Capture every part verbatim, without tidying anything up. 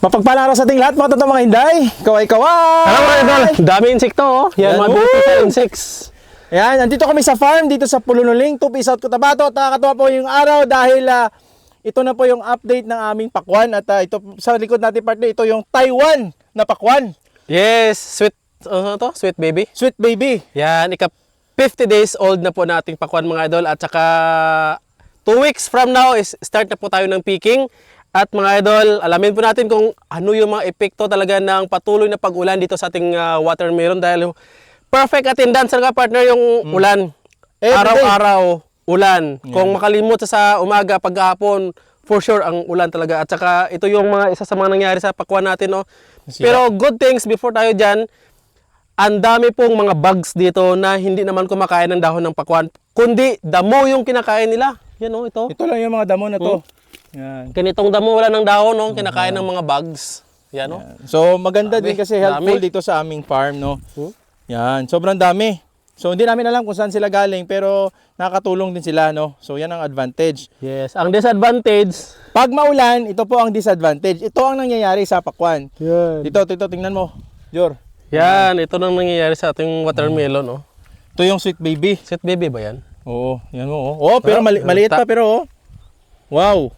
Mapagpalang araw sa ating lahat mga totoong mga hinday. Kaway-kaway! Alam mo idol, dami insekto oh. Yan, Yan, mga oh. beautiful insects. Ayan, nandito kami sa farm dito sa Pulunuling, Tupi, South Cotabato. At nakakatuwa po yung araw dahil uh, ito na po yung update ng aming pakwan. At uh, ito sa likod natin partner, ito yung Taiwan na pakwan. Yes, sweet, ano to? Sweet baby. Sweet baby. Yan, ika fifty days old na po nating pakwan mga idol. At saka two weeks from now is start na po tayo ng picking. At mga idol, alamin po natin kung ano yung mga epekto talaga ng patuloy na pag-ulan dito sa ating uh, watermelon dahil perfect attendance talaga partner yung mm. ulan. Araw-araw ulan. Yeah. Kung makalimot sa umaga, paghapon, for sure ang ulan talaga. At saka ito yung mga isa sa mga nangyari sa pakwan natin. No? Pero good things before tayo dyan, ang dami pong mga bugs dito na hindi naman kumakain ng dahon ng pakwan, kundi damo yung kinakain nila. Yan o, ito. Ito lang yung mga damo na to. Hmm. Yan. Ganitong damo wala ng dahon, no? Kinakain ng mga bugs. Yan, no? Yan. So maganda Dami. din kasi helpful Dami. dito sa aming farm, no? Hmm? Yan, sobrang dami. So hindi namin alam kung saan sila galing pero nakakatulong din sila, no? So yan ang advantage. Yes. Ang disadvantage, Pag maulan, ito po ang disadvantage. Ito ang nangyayari sa pakwan. yan. Dito, dito, tingnan mo. Jor. Yan, ito nang nangyayari sa ating watermelon, no? Ito yung sweet baby. Sweet baby ba yan? Oo, yan mo. Oh, oh pero Ah, mali- maliit pa pero oh. Wow.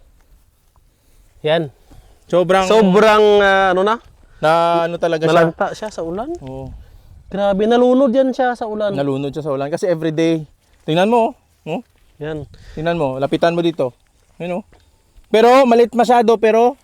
Yan. Sobrang Sobrang, ah, ano na? na ano talaga siya. Nalanta siya sa ulan. Oo. Grabe, nalunod yan siya sa ulan. Nalunod siya sa ulan kasi everyday. Tingnan mo, oh. Oh. Yan. Tingnan mo, lapitan mo dito. Ayun oh. Pero maliit masyado pero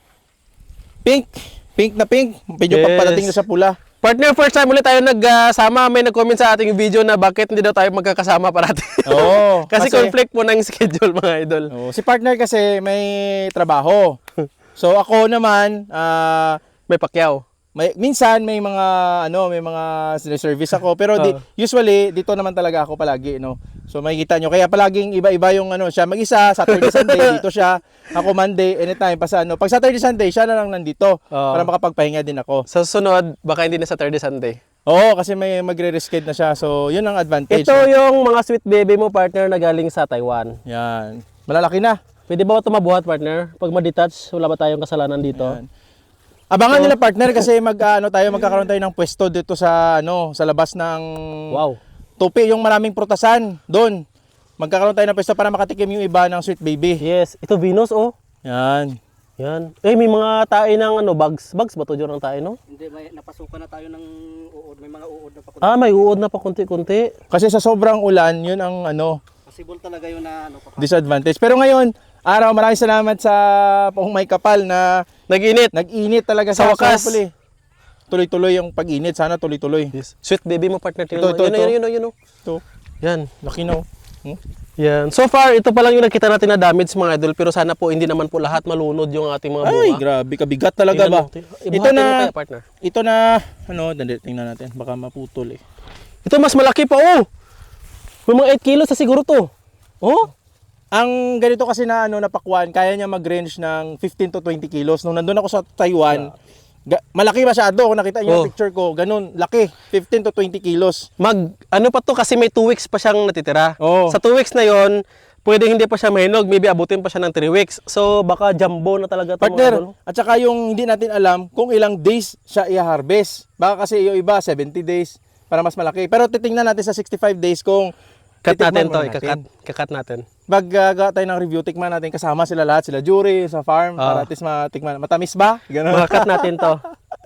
pink, pink na pink. Medyo Yes. pagpadating na sa pula. Partner, first time ulit tayo nagsama. May nag-comment sa ating video na bakit hindi daw tayo magkakasama parati. Oo. kasi, kasi- conflict po ng schedule, mga idol. Oh, si partner kasi may trabaho. So ako naman, ah May pakyaw. may minsan may mga ano, may mga service ako pero di, Oh. usually dito naman talaga ako palagi, no. So makikita nyo kaya palaging iba-iba yung ano, siya mag-isa, Saturday Sunday dito siya, ako Monday anytime pa sa ano. Pag Saturday Sunday siya na lang nandito Oh. para makapagpahinga din ako. Sa susunod, baka hindi na Saturday, Sunday. Oo, kasi may magre-rescade na siya. So yun ang advantage. Ito yung mga sweet baby mo, partner, na galing sa Taiwan. Yan. Malalaki na. Pwede ba ito mabuhat, partner? Pag ma-detach, wala ba tayong kasalanan dito? Yan. Abangan nila partner kasi mag ano tayo magkakaroon tayo ng pwesto dito sa ano, sa labas ng Wow. Tupi, yung maraming prutasan doon. Magkakaroon tayo ng pwesto para makatikim yung iba ng sweet baby. Yes. Ito, Venus, oh. Yan. Yan. Eh, may mga tae ng ano, bugs. Bugs ba ito dyan ang tae, no? Hindi, may napasukan na tayo ng uod. May mga uod na pakunti. Ah, may uod na pa kunti-kunti. Kasi sa sobrang ulan, yun ang ano, Possible talaga yun na ano pa. disadvantage. Pero ngayon, araw, maraming salamat sa Pong May Kapal na Nag-init. nag-init talaga Sa sa wakas. Sarapuli. Tuloy-tuloy yung pag-init. Sana tuloy-tuloy. Yes. Sweet baby mo, partner. Ito, Ito, ito, yun, ito. yun, yun, yun, yun, Ito, Yan. laki no. Hmm? Yan. So far, ito pa lang yung nakita natin na damage, mga idol. Pero sana po, hindi naman po lahat malunod yung ating mga bunga. Ay, grabe, kabigat talaga Tingnan ba? mo, tingnan- Ito ibuhatin mo na, kaya, partner. ito na, ano, dali, tingnan natin. Baka maputol eh. Ito mas malaki pa, oh. May mga eight kilos sa siguro to. Oh. Ang ganito kasi na ano napakwan, kaya niya mag-range ng fifteen to twenty kilos. Nung nandun ako sa Taiwan, ga- malaki masyado. Kung nakita niyo Oh. yung picture ko, ganun, laki. fifteen to twenty kilos. Mag, ano pa to kasi may two weeks pa siyang natitira. Oo. Sa two weeks na yon, pwede hindi pa siya mahinog. Maybe abutin pa siya ng three weeks. So, baka jumbo na talaga to, mga idol. Partner, at saka yung hindi natin alam kung ilang days siya i-harvest. Baka kasi yung iba, seventy days para mas malaki. Pero titingnan natin sa sixty-five days kung Cut titikman natin muna to, ikakat, kakat natin. Maggaga tayo ng review, tikman natin kasama sila lahat, sila jury sa farm, Ah. para at least matikman. Matamis ba? Ganun. Makakat natin to.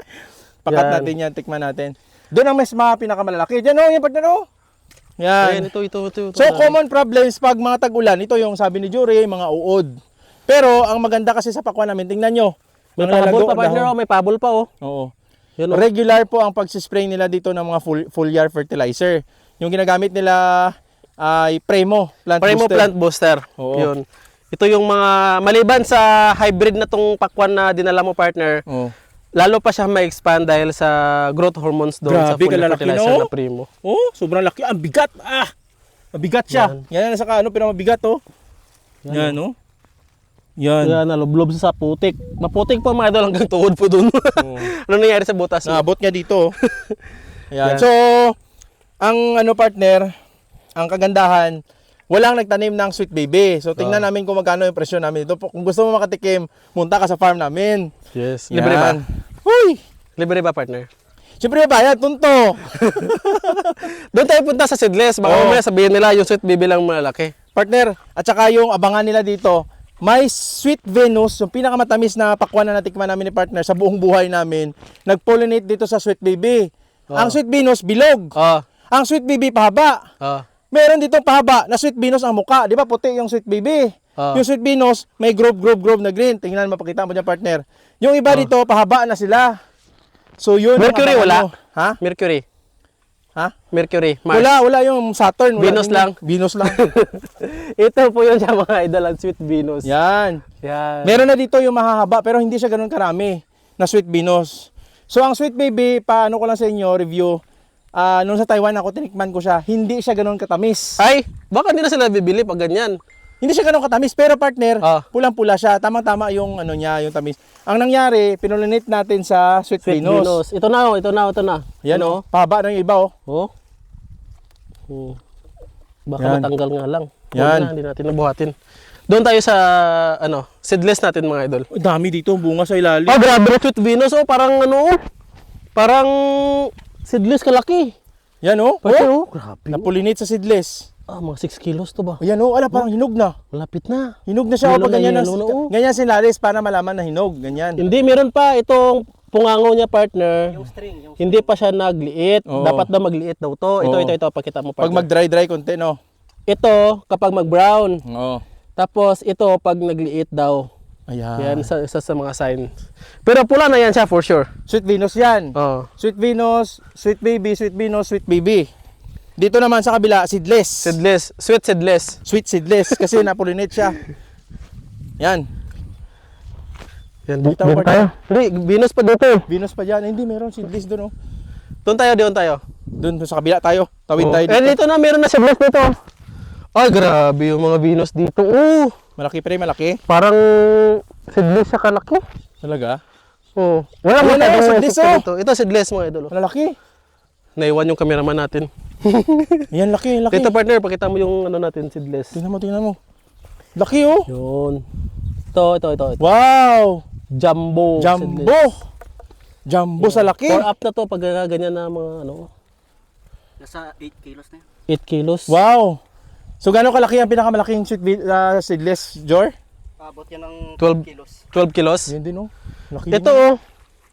Pakat Yan. natin yan, tikman natin. Doon ang mas mga pinakamalalaki. Diyan o, yung partner o. Yan. Ayan, ito, ito, ito. ito So, common problems pag mga tag-ulan, ito yung sabi ni Jury, mga uod. Pero, ang maganda kasi sa pakwan namin, tingnan nyo. May Ang pabol lalago- pa, partner. dahon. Oh, may pabol pa, oh. Oo. Yan, oh. Regular po ang pag-spray nila dito ng mga full, foliar fertilizer. Yung ginagamit nila ay Premo Plant Primo Booster. Plant Booster. Oo. Yun. Ito yung mga, maliban sa hybrid na tong pakwan na dinala mo, partner, Oo. lalo pa siya ma-expand dahil sa growth hormones doon sa Grabe, full kalalaki, fertilizer no? na Primo. Oh, sobrang laki. Ang bigat. Ah! Mabigat siya. Yan, yan saka ano, pero mabigat oh. Yan, oh. Yan. Yan, nalublob sa putik. Maputik pa, mga idol, hanggang tuhod po doon. Oo. Ano nangyari sa butas? Naabot niya dito. oh. Ayan. Yan. So, ang ano partner, ang kagandahan, walang nagtanim ng sweet baby. So tingnan namin kung magkano yung presyo namin dito. Kung gusto mo makatikim, munta ka sa farm namin. Yes. Yan. Libre ba? Uy! Libre ba, partner? Siyempre bayad, tunto. Doon tayo punta sa seedless. Baka Oo. mamaya sabihin nila yung sweet baby lang malaki. Partner, at saka yung abangan nila dito, may Sweet Venus, yung pinakamatamis na pakwan na natikman namin ni partner sa buong buhay namin, nag-pollinate dito sa Sweet Baby. Ang Sweet Venus, bilog. Oh. Ang Sweet Baby, pahaba. Oh. Meron dito pahaba na Sweet Venus ang muka. Di ba puti yung Sweet Baby? Ah. Yung Sweet Venus, may grove, grove, grove na green. Tingnan, mapakita mo dyan, partner. Yung iba dito, pahaba na sila. So yun. ang Mercury abangan wala? mo. Ha? Mercury. Ha? Mercury. Mars. Wala, wala yung Saturn. Wala Venus din lang? yun. Venus lang. Ito po yun siya mga idol, ang Sweet Venus. Yan. Yan. Meron na dito yung mahahaba pero hindi siya ganoon karami na Sweet Venus. So ang Sweet Baby, paano ko lang sa inyo review, ah nung sa Taiwan ako tinikman ko siya, hindi siya ganoon katamis. Ay, baka hindi na sila bibili pag ganyan. Hindi siya ganoon katamis pero partner, Ah. pulang-pula siya. Tamang-tama yung ano niya, yung tamis. Ang nangyari, pinulinate natin sa Sweet, Sweet Venus. Venus. Ito na, oh, ito na, ito na. Yan Ano? oh, pahaba ng iba oh. Oh. Oh. Baka Yan. matanggal nga lang. Huwag Yan. na, hindi natin nabuhatin. Doon tayo sa ano, seedless natin mga idol. Ang dami dito, bunga sa ilalim. Oh, grabe, Sweet Venus. Oh, parang ano, oh. Parang seedless kalaki. Yan oh. Pati, oh. oh. Grabe. Napulinate sa seedless. Ah, mga six kilos to ba? Ayan oh, ala parang hinog na. Malapit na. Hinog na siya oh, Yellow pag na ganyan, yellow na, oh. ganyan sinalis para malaman na hinog, ganyan. Hindi, meron pa itong pungango niya, partner. Yung string, yung Hindi pa siya nagliit. Oo. Dapat daw magliit daw to. Ito, Oo. ito, ito. Pakita mo, Pag partner. mag-dry-dry konti no. Ito, kapag mag-brown. Oo. Tapos, ito, pag nagliit daw. Ayan. Yan, isa, isa sa mga sign. Pero pula na yan siya, for sure. Sweet Venus yan. Oh. Sweet Venus, Sweet Baby, Sweet Venus, Sweet Baby. Dito naman sa kabila, seedless. Seedless. Sweet seedless. Sweet seedless kasi napulinate siya. Yan. Yan, Dito doon partner. tayo. Hindi, Venus pa dito. Venus pa dyan. Hindi, meron seedless doon. Oh. Doon tayo, doon tayo. Doon sa kabila tayo. Tawid Oh. tayo Eh, dito. dito na, meron na seedless dito. Ay, grabe yung mga Venus dito. Oh, Malaki pre, malaki. parang seedless siya kalaki. Talaga? Oh. Wala Wala, mo seedless, oh. dito. Ito seedless mga idol. oh. Malaki. Naiwan yung cameraman natin. Yan, laki, laki. Dito partner, pakita mo yung ano natin, seedless. Tingnan mo, tingnan mo. Laki oh. Yun. Ito, ito, ito. ito. Wow. Jumbo. Jumbo. seedless. Jumbo sa laki. Four up na to pag uh, ganyan na mga ano, nasa eight kilos na yun. eight kilos. Wow. So gano'ng kalaki ang pinakamalaking sweet vi- uh, seedless, Jor? Abot yan ng twelve twelve kilos. twelve kilos. Yan din oh. Laki Ito din. oh.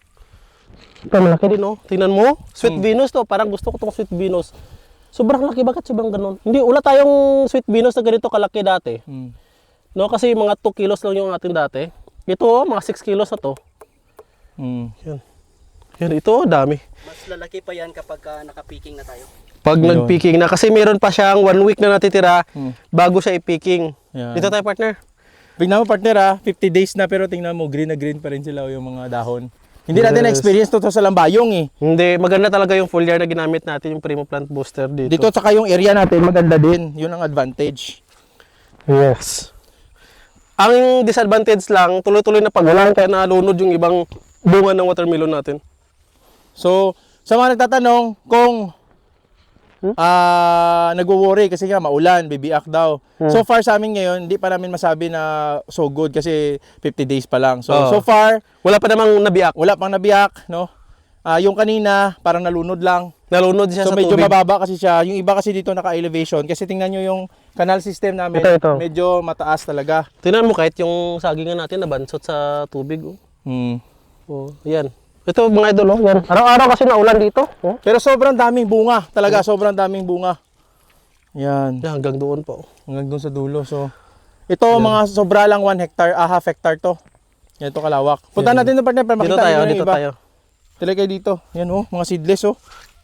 Ito malaki din oh. Tingnan mo. Sweet Venus to. Parang gusto ko tong Sweet Venus. Sobrang laki. Bakit sobrang ganun? Hindi, wala tayong Sweet Venus na ganito kalaki dati. Hmm. No, kasi mga two kilos lang yung ating dati. Ito oh, mga six kilos na to. Hmm. Yan. Yan, ito oh, dami. Mas lalaki pa yan kapag uh, naka-picking na tayo. Pag Yun. nag-picking na, kasi meron pa siyang one week na natitira Hmm. bago siya i-picking. Yan. Dito tayo partner. Tingnan mo partner ah, fifty days na pero tingnan mo green na green pa rin sila oh, yung mga dahon. Hindi natin Yes. na-experience to, to sa Lambayong eh. Hindi, maganda talaga yung foliar na ginamit natin, yung Primo Plant Booster dito. Dito tsaka yung area natin maganda din. Yun ang advantage. Yes. Ang disadvantage lang, tuloy-tuloy na pagulan kaya nalunod yung ibang bunga ng watermelon natin. So, sa mga nagtatanong kung Hmm? ah nagwo-worry kasi nga maulan, bibiak daw. Hmm. So far sa amin ngayon, hindi pa namin masabi na so good kasi fifty days pa lang. So Oo. so far, Wala pa namang nabiyak. wala pang nabiyak, no? Ah, yung kanina parang nalunod lang. Nalunod siya So sa medyo tubig. mababa kasi siya. Yung iba kasi dito naka-elevation kasi tingnan nyo yung canal system namin, Ito, ito. medyo mataas talaga. Tingnan mo kahit yung sagingan natin nabansot sa tubig. Oh. Hmm. Oh, yan. Ito mga idol, oh. Yan. Araw-araw kasi naulan dito. Oh. Pero sobrang daming bunga, talaga sobrang daming bunga. Yan. Yan, hanggang doon pa. Oh. Hanggang doon sa dulo. So, ito mga sobra lang one hectare, ah, half hectare to. Yan ito kalawak. Punta natin doon partner para Dito makita tayo, nyo yung dito iba. tayo. Tila kayo dito. Yan oh, mga seedless oh.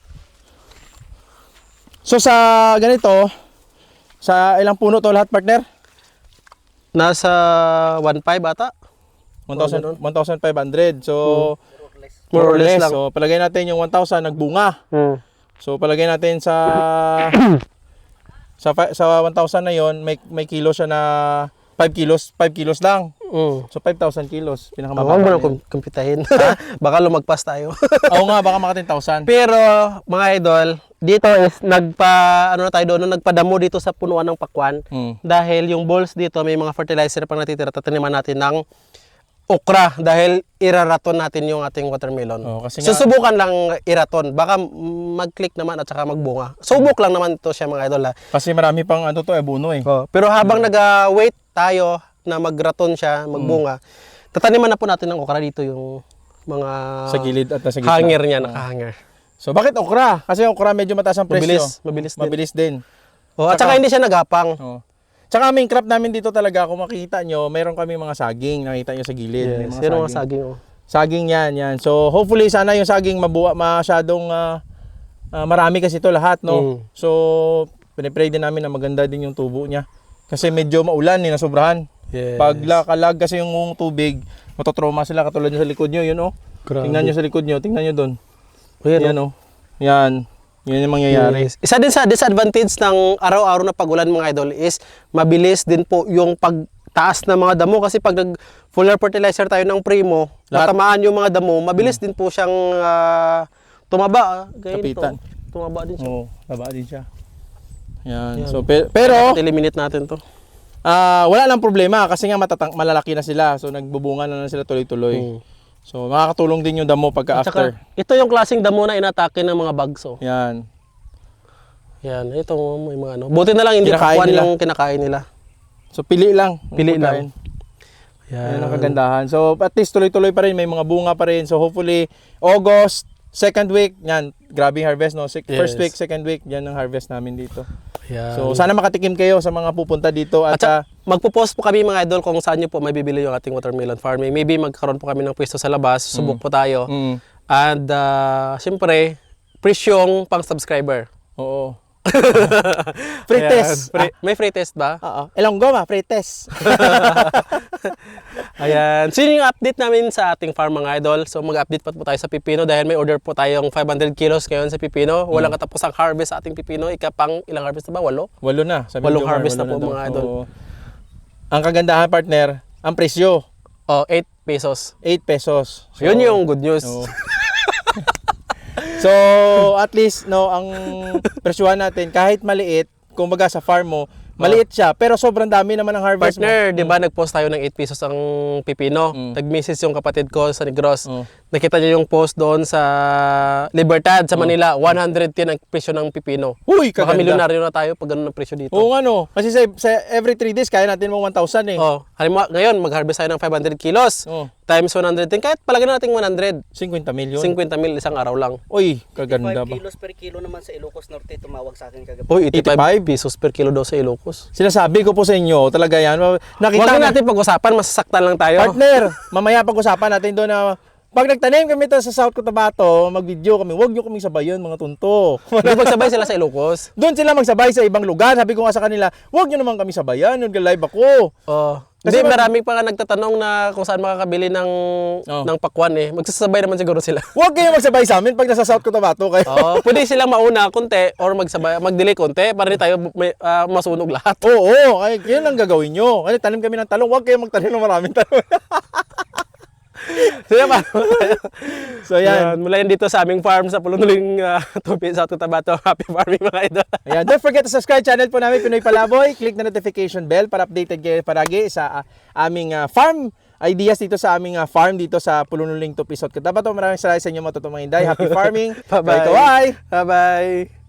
So sa ganito, sa ilang puno to lahat partner? Nasa one five ata. one thousand five hundred. So, More or less lang. So, palagay natin yung one thousand nagbunga. Hmm. So, palagay natin sa sa fi- sa one thousand na yon, may may kilo siya na five kilos, five kilos lang. Mm. So five thousand kilos, Huwag pinakamababa. mo na na yun. kum- kumpitahin. Baka lumagpas tayo. Oo nga, baka mga ten thousand. Pero mga idol, dito is nagpa ano na tayo doon, no, nagpadamo dito sa punuan ng pakwan Mm. dahil yung balls dito may mga fertilizer pang natitira, tataniman natin ng okra dahil iraraton natin yung ating watermelon. Oo, kasi nga- Susubukan lang iraton, baka mm, mag-click naman at saka magbunga. Subok lang naman ito siya mga idol ha. Kasi marami pang ano to, eh, buno eh. Oh, pero habang nag-wait tayo na magraton siya, magbunga, tataniman na po natin ng okra dito yung mga Sa gilid at sa gitna. hanger niya, nakahanger. So bakit okra? Kasi okra medyo mataas ang presyo. Mabilis, mabilis din. Mabilis din. Oh, at saka hindi siya nagapang. Oo. Tsaka aming crop namin dito talaga, kung makikita nyo, mayroon kami mga saging, nakita nyo sa gilid. May Yes, mga yun ang mga saging. saging. Oh. Saging yan, yan. So hopefully sana yung saging mabuwa, masyadong ah, ah, marami kasi ito lahat, no? Mm. So pinipray din namin na maganda din yung tubo niya. Kasi medyo maulan, eh, nasobrahan. Yes. Pag lakalag kasi yung tubig, matotroma sila katulad nyo sa likod nyo, yun oh. Grabe. Tingnan nyo sa likod nyo, tingnan nyo doon. Oh, yan, Yan oh. Yan. Yan yung mangyayari. Yes. Isa din sa disadvantage ng araw-araw na pagulan mga idol is mabilis din po yung pagtaas ng mga damo kasi pag nag fuller fertilizer tayo ng Primo, Lahat- natamaan yung mga damo, mabilis din po siyang ah, tumaba. ah. Gaya nito. Kapitan. Tumaba din siya. Oo, taba din siya. Yan. Yan. So pe- pero Dapat eliminate natin to. ah wala lang problema kasi nga matatang malalaki na sila. So nagbubunga na, na sila tuloy-tuloy. Mm. So makakatulong din yung damo pagka At saka, after. ito yung klaseng damo na inatake ng mga bugs. Oh. Yan. Yan, ito may mga ano. Buti na lang hindi Kinakain pakwan nila. yung kinakain nila. So pili lang. ang Pili pagkain. lang. Yan. Yan ang kagandahan. So at least tuloy-tuloy pa rin, may mga bunga pa rin. So hopefully August, second week, yan, grabe yung harvest no. Sec- First Yes. week, second week, yan ang harvest namin dito. Yan. So sana makatikim kayo sa mga pupunta dito at, At saka, ah, magpo-post po kami mga idol kung saan nyo po mabibili yung ating watermelon farming. Maybe magkaroon po kami ng pwesto sa labas, subok po tayo. mm, And uh, siyempre, presyong pang subscriber. oo. Free Ayan, test. free- may free test ba? Ah, oo. Ilang goma, free test. Ayan. So yun yung update namin sa ating farm mga idol. So mag-update pa po tayo sa pipino dahil may order po tayong five hundred kilos ngayon sa pipino. Walang Hmm. katapusang harvest sa ating pipino. Ika pang ilang harvest na ba? Walo? Walo na. Sabi Walong ni Jomar, harvest walo na po, daw. mga idol. Oo. Ang kagandahan partner, ang presyo, Oh, eight pesos. eight pesos. So, yun yung good news. Oo. So, at least no, ang presyohan natin kahit maliit, kumbaga sa farm mo, maliit siya, pero sobrang dami naman ang harvest Partner, mo. di ba nag-post tayo ng eight pesos ang pipino? Mm. Nag-message yung kapatid ko sa Negros. Oh. Nakita niyo yung post doon sa Libertad sa Manila, one hundred ten ang presyo ng pipino. Uy, Baka kaganda. milyonaryo na tayo pag ganun ang presyo dito. Oo nga no, kasi sa, sa every three days kaya natin mo one thousand eh. Oh, halimbawa ngayon mag-harvest tayo ng five hundred kilos. Oh, Times one hundred ten, kahit palagyan natin one hundred. fifty million. fifty mil isang araw lang. Uy, kaganda five ba? kilos per kilo naman sa Ilocos Norte, tumawag sa akin kagabi. Uy, eighty-five eighty-five pesos per kilo daw sa Ilocos. Sinasabi ko po sa inyo, talaga yan. Nakita Huwag na na- natin pag-usapan, masasaktan lang tayo. Partner, mamaya pag-usapan natin doon na pag nagtanim kami to sa South Cotabato, mag-video kami, huwag nyo kaming sabayan mga tunto. Hindi magsabay sila sa Ilocos. Doon sila magsabay sa ibang lugar. Sabi ko nga sa kanila, huwag nyo naman kami sabayan, nag-live ako. Oh. Kasi Kasi mag- maraming pa nga nagtatanong na kung saan makakabili ng Oh. ng pakwan eh. Magsasabay naman siguro sila. Huwag kayo magsabay sa amin pag nasa South Cotabato kayo. Oh, pwede silang mauna konti or magsabay mag-delay konti para di tayo may, ah, masunog lahat. Oo, ay, yun ang gagawin nyo. Kasi tanim kami ng talong, huwag kayo magtanim ng maraming talong. So yan, paano tayo? So yan. Yan, mula yan dito sa aming farm sa Pulunuling uh, Tupi sa Cotabato. Happy farming mga idol. Ayan, don't forget to subscribe channel po namin, Pinoy Palaboy. Click na notification bell para updated kayo paragi sa ah, aming ah, farm ideas dito sa aming ah, farm dito sa Pulunuling Tupi, South Cotabato. Maraming salamat sa inyo mga totoong mga Inday. Happy farming. Bye-bye. Bye-bye. Bye-bye.